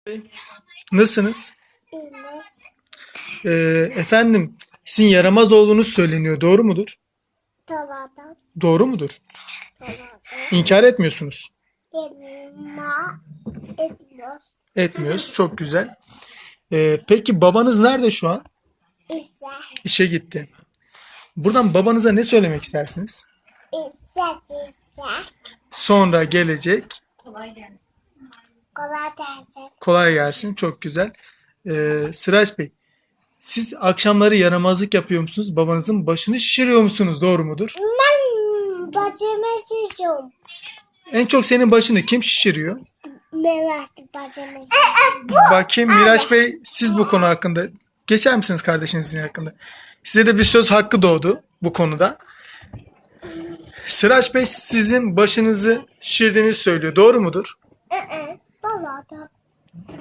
Nasılsınız? İğne, Efendim, sizin yaramaz olduğunuz söyleniyor. Doğru mudur? tavada, Doğru mudur? tavada, İnkar etmiyorsunuz. elma, etmiyor. Etmiyoruz. Çok güzel. Peki babanız nerede şu an? İşe, İşe gitti. Buradan babanıza ne söylemek istersiniz? işe, işe, Sonra gelecek. kolay gelsin. Kolay gelsin. Çok güzel. Sıraç Bey, siz akşamları yaramazlık yapıyor musunuz? Babanızın başını şişiriyor musunuz? Doğru mudur? Ben bacımı şişiyorum. En çok senin başını kim şişiriyor? Mehmet bacımı Bakayım Miraç Bey, siz bu konu hakkında geçer misiniz kardeşinizin hakkında? Size de bir söz hakkı doğdu bu konuda. Sıraç Bey sizin başınızı şişirdiğinizi söylüyor. Doğru mudur? Balada.